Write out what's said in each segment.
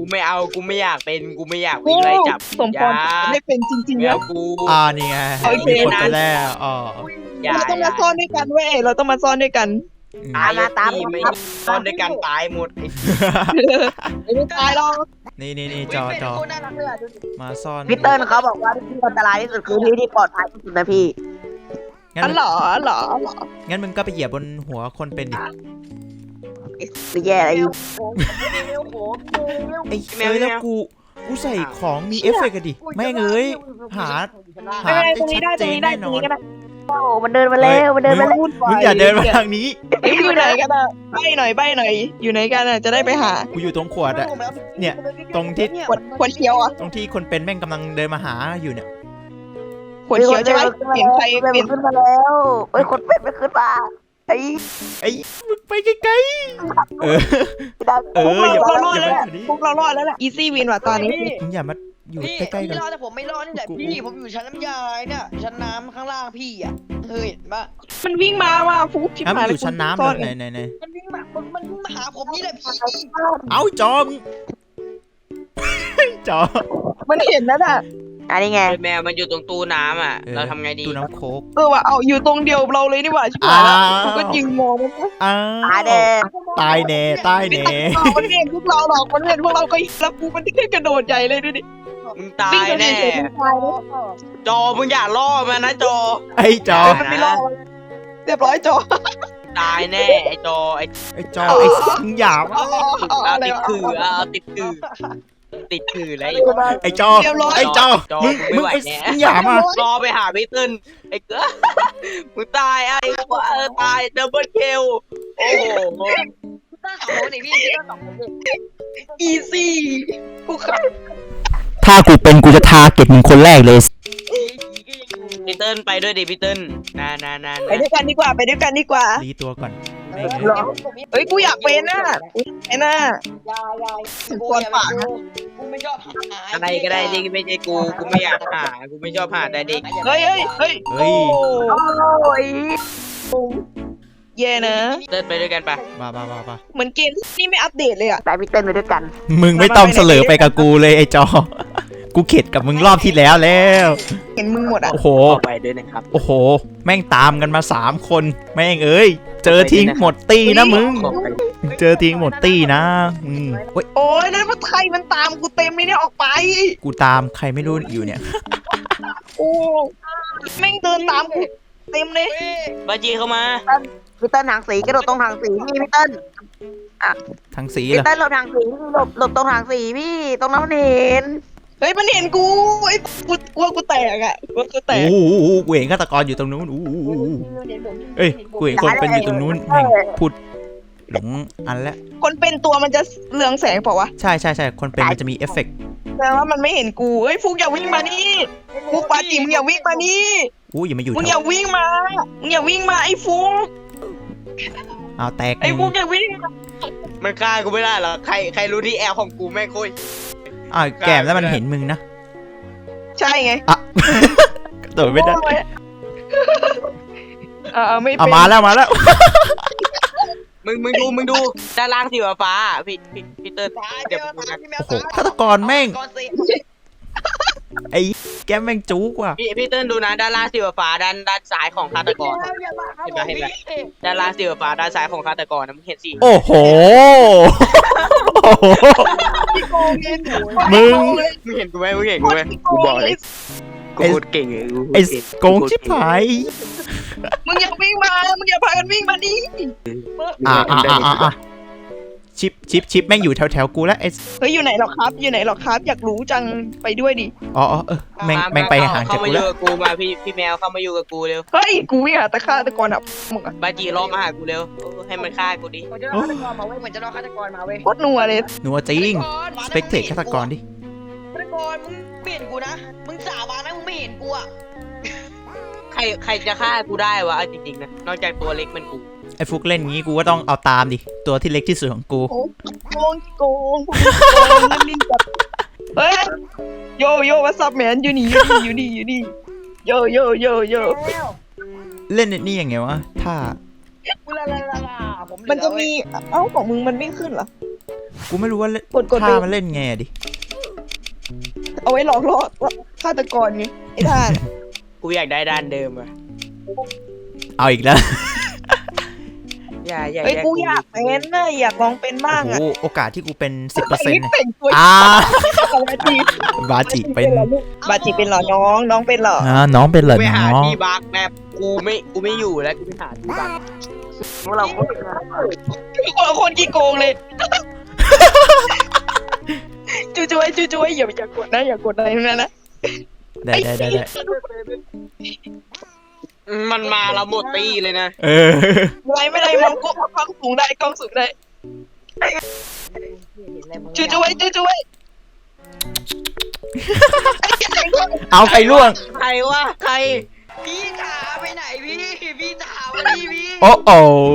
ไม่เอากูไม่อยากเป็นกูไม่อยากวิ่งไล่จับสมพรไม่เป็นจริงๆแล้แล้ว วกูนี่ไงโอเคมีคนไปแล้วอย่าเราต้องมาซ่อนด้วยกันเว้ยเราต้องมาซ่อนด้วยกันตายพี่ไม่ซ่อนด้วยกันตายหมดไม่ตายหรอกนี่จอมาซ่อนพี่เติ้ลเขาบอกว่าที่อันตรายที่สุดคือที่ที่ปลอดภัยที่สุดนะพี่งั้นเหรองั้นมึงก็ไปเหยียบบนหัวคนเป็นดิไม่แย่อะไรอยู่ไอ้แล้วกูใส่ของมีเอฟเฟกต์กันดิแม่งเอ้ยหาไม่เป็นไรตรงนี้ได้ตรงนี้ได้ตรงนี้ก็ได้โอ้มันเดินมาแล้วมันเดินมาแล้วมึงอย่าเดินมาทางนี้เอ้ยอยู่ไหนกันอ่ะใบหน่อยอยู่ไหนกันอ่ะจะได้ไปหากูอยู่ตรงขวดอะเนี่ยตรงที่ขวดเขียวอ่ะตรงที่คนเป็นแม่งกำลังเดินมาหาอยู่เนี่ยขวดเขียวใช่ไหมเปลี่ยนใครเปลี่ยนขึ้นมาแล้วเฮ้ยคนเป็ดไม่ขึ้นมาไอ้มึงไปไกลๆอย่าเรารอดอย่าแล้วมาแหละแบบนี้พวกเรารอดแล้วแหละอีซี่วินว่ะตอนนี้มึงอย่ามาอยู่พี่ใกล้ๆกันพี่รอดแต่ผมไม่รอดนี่แหละพี่ผมอยู่ชั้นน้ำยาเนี่ยชั้นน้ำข้างล่างพี่อ่ะเฮ้ยเห็นปะมันวิ่งมาว่ะฟุกชิบอ่ะมึหาง ยอยู่ชั้นน้ำซ่อเลยไหนมันวิ่งมามันวิ่งมาหาผมนี่แหละพี่เอาจอมจอมันเห็นแล้วน่ะอันนี้ไงแมวมันอยู่ตรงตู้น้ำอ่ะเราทำไงดีตู้น้ำโค้กว่ะเอาอยู่ตรงเดียวเราเลยนี่หว่าชิบหายแล้วกูก็ยิงมองมันนะตายแดงตายแน่ตายไม่แน่ตัดต่อมันเห็นพวกเราหรอกมันเห็นพวกเราก็แล้วกูมันที่กระโดดใหญ่เลยดูดิมึงตาวิ่งยกันแน่เฉยๆมันตายแล้วจอมึงอย่าล่อมันนะจอไอ้จอมันไม่รอดเรียบร้อยจอตายแน่ไอ้จอไอ้ไอ้จอไอ้มึงหยาบเอาอะไรติดวะคือเอาติดคือติดคืออะไรไอ้จอไอ้จอมึงไอ้มึงหยาบอ่ะรอไปหาพี่เติ้ลไอ้เกือมึงตายไอ้ตายดับเบิลคิวโอ้โหตั้งสองคนนี่พี่ตั้งสองคนนี่อีซี่กูขับถ้ากูเป็นกูจะทาเก็บมึงคนแรกเลยพี่เติ้ลไปด้วยดิพี่เติ้ลนานไปด้วยกันดีกว่าไปด้วยกันดีกว่ารีตัวก่อนเฮ้ยกูอยากเป็นน่ะไอ้น่ะยายถึงก่อนปากนะกูไม่ชอบหาอะไรก็ได้ที่ไม่ใช่กูไม่อยากหากูไม่ชอบหาแต่เด็กเฮ้ยเฮ้ยโอ้โอ้ยแย่นะเติ้ลไปด้วยกันปะบ้าเหมือนเกมนี่ไม่อัปเดตเลยอ่ะแต่พี่เติ้ลไปด้วยกันมึงไม่ต้องเสลอไปกับกูเลยไอ้จอ กูเข็ดกับมึงรอบที่แล้วเห็นมึงหมดอ่ะโอ้โหไปด้วยนะครับโอ้โห แม่งตามกันมา3 คนแม่งเอ้ยเจอทิ้งหมดตี้นะมึง เจอทิ้งหมดตี้นะเว้ยโอ้ยนั่นมันใครมันตามกูเต็มเลยเนี่ยออกไปกูตามใครไม่รู้อยู่เนี่ยโอ้แม่งเดินตามกูเต็มเลยบาจีเข้ามาพี่เติ้ลทางสีกระโดดตรงทางสีพี่พี่เติ้ลทางสีพี่เหรอเติ้ลหลบทางสีหลบตรงทางสีพี่ตรงนั้นมันเห็นเฮ้ยมันเห็นกูไอ้กูกลัวกูแตกอ่ะกลัวกูแตโอ้กโหกูเห็นฆาตกรอยู่ตรงนู้นเอ้ยกูเห็นคนเป็นอยู่ตรงนู้นแม่งพูดหลงอันแล้วคนเป็นตัวมันจะเรืองแสงเปล่าวะใช่คนเป็นมันจะมีเอฟเฟกต์แต่ว่ามันไม่เห็นกูเฮ้ยฟุกอย่าวิ่งมานี่ฟุกปาจิมึงอย่าวิ่งมานี่อย่ามาอยู่มึงแถอย่าว วิ่งมามึงอย่าวิ่งมาไอ้ฟุกเอาแตกไอ้ฟุกอย่าวิ่งมามันฆ่ากูไม่ได้หรอใครรู้ที่แอลของกูแม่งโคตรแก้มแล้วมันเห็นมึงนะใช่ไงโดดไม่ได้ไม่เป็นมาแล้วมึงดูด้านล่างสีฟ้าพี่เติ้ลตายเดี๋ยวตายพี่แมวโอ้โหฆาตกรแม่งก่อนสิไอ้แก้มแม่งจุกว่ะพี่เติ้ลดูนะด้านล่างสีฟ้าด้านซ้ายของฆาตกรอย่ามาครับผมพี่ด้านล่างสีฟ้าด้านซ้ายของฆาตกรนะมึงเห็นสิโอ้โหมึงมึงเห็นกูไหมกูบอกเลยกูพูดเก่งเลยไอ้โกงชิบหายมึงอย่าวิ่งมามึงอย่าพากันวิ่งมานี่ชิปแม่งอยู่แถวกูแล้วไอ้เฮ้ยอยู่ไหนหรอครับอยู่ไหนหรอครับอยากรู้จังไปด้วยดิแม่งไปห่างจากเข้ามากูอแล้ยู่วกับกูมาพี่แมวเข้ามาอยู่กับกูเร็วเฮ้ยกูวิ่งหาตะฆ่าตะกอนอ่ะมึงอ่ะบาจีรอมาหากูเร็วให้มันฆ่ากูดิผมจะรอฆาตกรมาเว้ยผมจะรอฆาตกรมาเว้ยโคตรนัวเลยหนูจริงสเปกเตตฆาตกรดิฆาตกรมึงเปลี่ยนกูนะมึงสาบานนะมึงไม่เห็นกูอ่ะใครจะฆ่ากูได้วะจริงๆนะนอกจากตัวเล็กมันกูไอ้ฟุกเล่นงี้กูก็ต้องเอาตามดิตัวที่เล็กที่สุดของกูโกงลิ้นจับเฮ้ยโยวัสซับแมนอยู่นี่โยเล่นนี่ยังไงวะถ้ากูลาผมมันจะมีเอ้าของมึงมันไม่ขึ้นเหรอกูไม่รู้ว่ากดท่าไปมันเล่นไงอะดิเอาไว้หลอกล่อฆาตกรไงไอ้ท่านกูอยากได้ด้านเดิมอะเอาอีกแล้วอย่าเฮ้ยกูอยากเป็นนะอยากลองเป็นบ้างโอ้อ่ะโหโอกาสที่กูเป็น 10% แต่งตัวอ่าบาจิบาจิเป็นบาจิเป็นเหรอน้องเป็นเหรอน้องเป็นเหรอไปหาน้องที่บักแบบกูไม่อยู่แล้วกูไปหาที่บักพวกเราโคตรคนละคนกี่โกงเลยจุ๊ยอย่ากดนะอย่ากดอะไรทั้งนั้นนะได้มันมาเราหมดตีเลยนะเออไม่ได้มองกล้องสูงได้จุ๊ยเอาใครล่วงใครวะใครพี่จ๋าไปไหนพี่จ๋าวันนี้พี่โอ้โอ้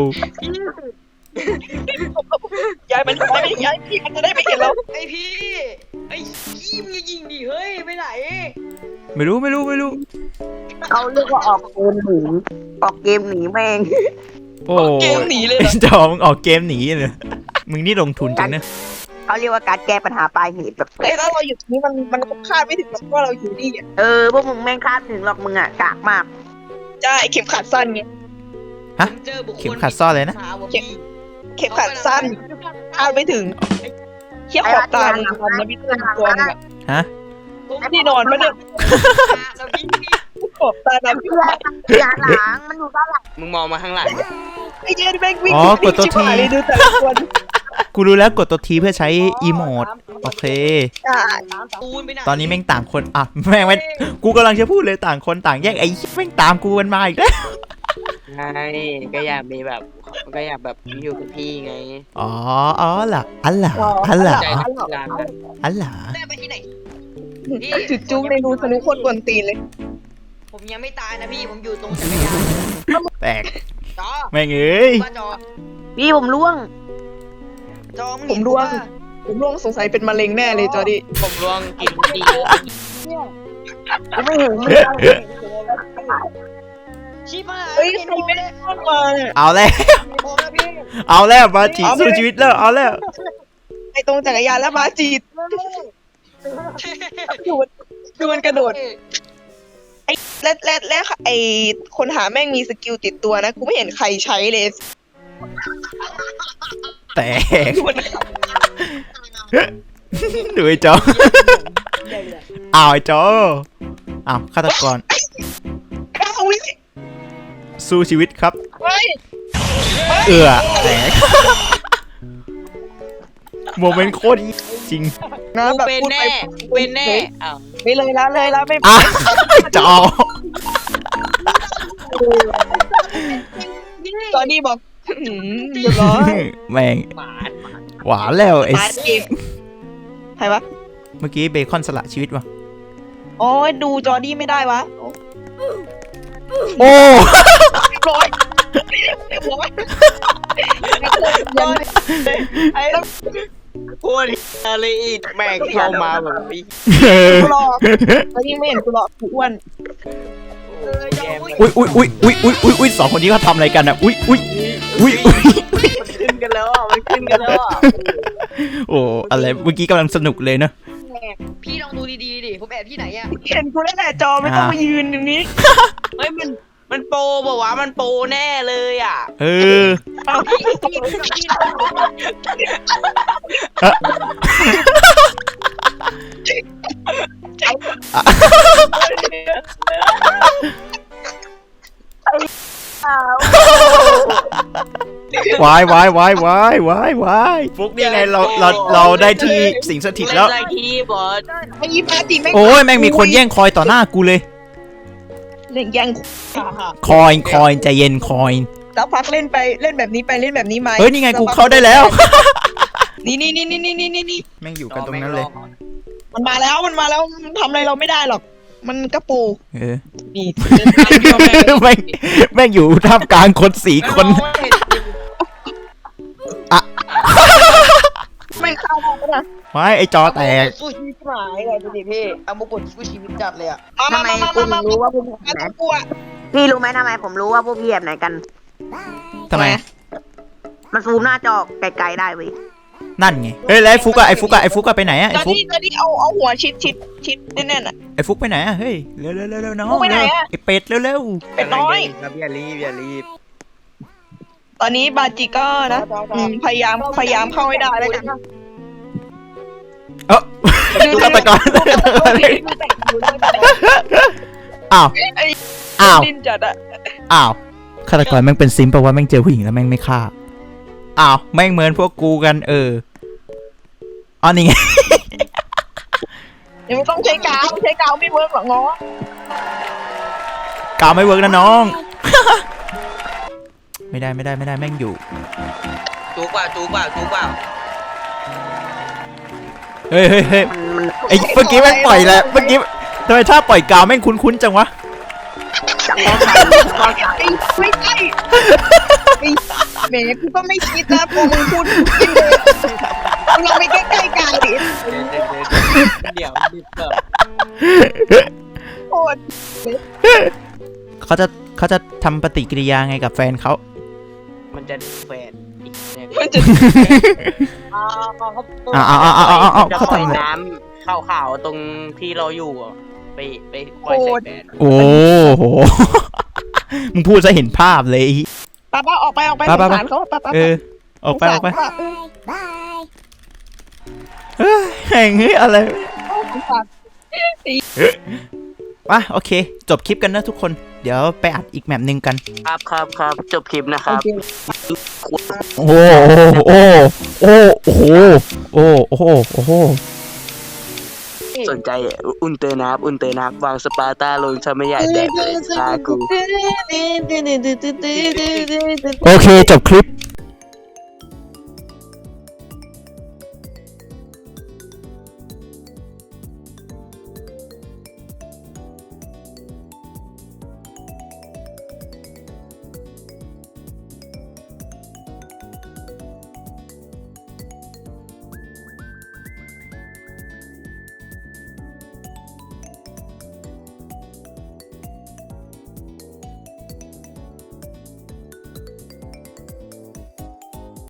ย้ายพี่มันจะได้ไม่เห็นเราไอพี่ไอขี้มึงยิงดิเฮ้ยไปไหนไม่รู้เขาเรียกว่าออกเกมหนีแม่งโอ้เกมหนีเลยเหรอจอมึงออกเกมหนีเลยมึงนี่ลงทุนจังนะเขาเรียกว่าการแก้ปัญหาปลายเหตุแบบเฮ้ยถ้าเราอยู่ตรงนี้มันคาดไม่ถึงหรอกว่าเราอยู่นี่อ่ะพวกมึงแม่งคาดไม่ถึงหรอกมึงอ่ะกากมากใช่เข็มขัดสั้นไงฮะผมเจอบุคคลเข็มขัดซ่อนเลยนะถามว่าพี่เข็มขัดสั้นคาดไม่ถึงเขี้ยขอบตามึงทำนะพี่ตัวมึงอะฮะที่นอนมันเนี่ยแล้วพี่ขอบตาดำพี่อย่าหลังมันอยู่ด้านหลังมึงมองมาข้างหลังไอ้เย็นแม่งวิ่งอ๋อกดตัวชิบหายทีเลยดูแต่ละคนกูรู้แล้วกดตัวทีเพื่อใช้อีโมดโอเคใช่ตูนไปไหนตอนนี้แม่งต่างคนอ่ะแม่งไม่กูกำลังจะพูดเลยต่างคนต่างแยกไอ้แม่งตามกูมันมาอีกแล้วใช่ก็อยากมีแบบก็อยากแบบอยู่กับพี่ไงอ๋อล่ะอันล่ะใจนักกีฬานะอันล่ะแม่ไปที่ไหนจุดจุ้งในรูสนุกคนกวนตีนเลยผมยังไม่ตายนะพี่ผมอยู่ตรงจักรยานแตกจอแม่งเอ้ยว่าจอพี่ผมล่วงจอผมร่วงสงสัยเป็นมะเร็งแน่เลยจอร์ดี้ผมร่วงกินดีกูไม่เห็นมึงชิบหายเฮ้ยใครไม่ได้เข้ามาเนี่ยเอาแล้วผมนะพี่เอาแล้วมาจีสู้ชีวิตแล้วเอาแล้วไอ้ตรงจักรยานแล้วมาจีดดูมันกระโดดไอ้และไอ้คนหาแม่งมีสกิลติดตัวนะกูไม่เห็นใครใช้เลยแตกดูมันดูไอ้จออ้าวไอ้จออ้าวฆาตกรเข้าวิสู้ชีวิตครับเฮ้ยแตกโมเมนต์โคตรจริงนะกูแบบเป็นพูดแน่ไปเป็นแน่อ้าวไม่เลยละไม่อ่ะจอจอร์ดี้บอกเรียบร้อยแม่งหมาหวานแล้วไอ้มาเกมใครวะเมื่อกี้เบคอนสละชีวิตว่ะโอ้ยดูจอร์ดี้ไม่ได้วะโอ้เรียบร้อยไอ้แล้วโคตรอะไรอีกแม่งเข้ามาแบบนี้กูหลอกแล้วยิ่งไม่เห็นกูหลอกกูอ้วนแย่มากอุ้ยสองคนนี้เขาทำอะไรกันอ่ะอุ้ยมันขึ้นกันแล้วอ่ะมันขึ้นกันแล้วอ่ะโอ้อะไรเมื่อกี้กำลังสนุกเลยเนอะพี่ลองดูดีๆดิผมแอบที่ไหนอะเห็นกูแล้วแหละจอไม่ต้องมายืนอย่างนี้เฮ้ยมันโปรบอกว่ามันโปรแน่เลยอ่ะเออพี่วายฟุกนี่ไงเราได้ที่สิงสถิตเล่นแล้วอะไรที่บอสไอ้ยี่ปาจิไม่โอ้ยแม่งมีคนแย่งคอยต่อหน้ากูเลยเล่นยังคอยใจเย็นคอยแล้วพักเล่นไปเล่นแบบนี้ไปเล่นแบบนี้มาเฮ้ยนี่ไงกูเข้าได้แล้วนี่แม่งอยู่กันตรงนั้นเลยมันมาแล้วมันทำอะไรเราไม่ได้หรอก มันกระปูเออนี่แม่งอยู่ท่ามกลางคน4 คนไม่เข้าแล้วนะไม่ไอจอแตกสู้ชีวิตหายเลยดูดิพี่เอามุกดสู้ชีวิตจัดเลยอะมาทำไมคุณรู้ว่าพวกพี่มาไหนตะกัวพี่รู้ไหมทำไมผมรู้ว่าพวกพี่แบบไหนกันทำไมมันซูมหน้าจอไกลๆได้เว้ยนั่นไงเฮ้ยแล้วไอ้ฟุกอะไปไหนอะไอ้ตอนฟุกนี้เอาหัวชิดแน่นๆอ่ะไอ้ฟุกไปไหนอะเฮ้ยเร็วน้องฟุกไปไหนอะไอ้เป็ดเร็วเป็ดน้อยครับอย่ารีบตอนนี้บาจิก็นะพยายามเข้าให้ได้แล้วกันเออฆาตกรอ้าวอ้าวดินจัดอะอ้าวฆาตกรแม่งเป็นซิมแปลว่าแม่งเจอผู้หญิงแล้วแม่งไม่ฆ่าอ้าวแม่งเหมือนพวกกูกันอ๋อนี่ไงยังไม่ต้องใช้กาวไม่เวิร์กหรอกง้อกาวไม่เวิร์กนะน้อง ไม่ได้แม่งอยู่จูกเปล่าเฮ้ยไอ้เมื่อกี้แม่งปล่อยแล้วเมื่อกี้ทำไมถ้าปล่อยกาวแม่งคุ้นๆจังวะไม่ใช่แหมกูก็ไม่คิดนะพอมึงพูดจริงเลยเราไปใกล้ๆกาวดิเดี๋ยวดิบเปิดโคตรเขาจะทำปฏิกิริยาไงกับแฟนเขามันจะแฟนอีกเนี่ยมันจะเขาทำอะไรน้ำขาวๆตรงที่เราอยู่อะไปปล่อยใส่แฟนโอ้โห มึงพูดซะเห็นภาพเลยป้าออกไปสงสารเขาป้าออกไปเฮ้ยแห่งเฮ้ยอะไรวะโอเค จบคลิปกันนะทุกคน เดี๋ยวไปอัดอีกแมปหนึ่งกันครับจบคลิปนะครับโอ้โหสนใจอุ่นเตอร์นับวางสปาร์ต้าลงทำไม่ใหญ่แดกเลยซากูโอเค จบคลิป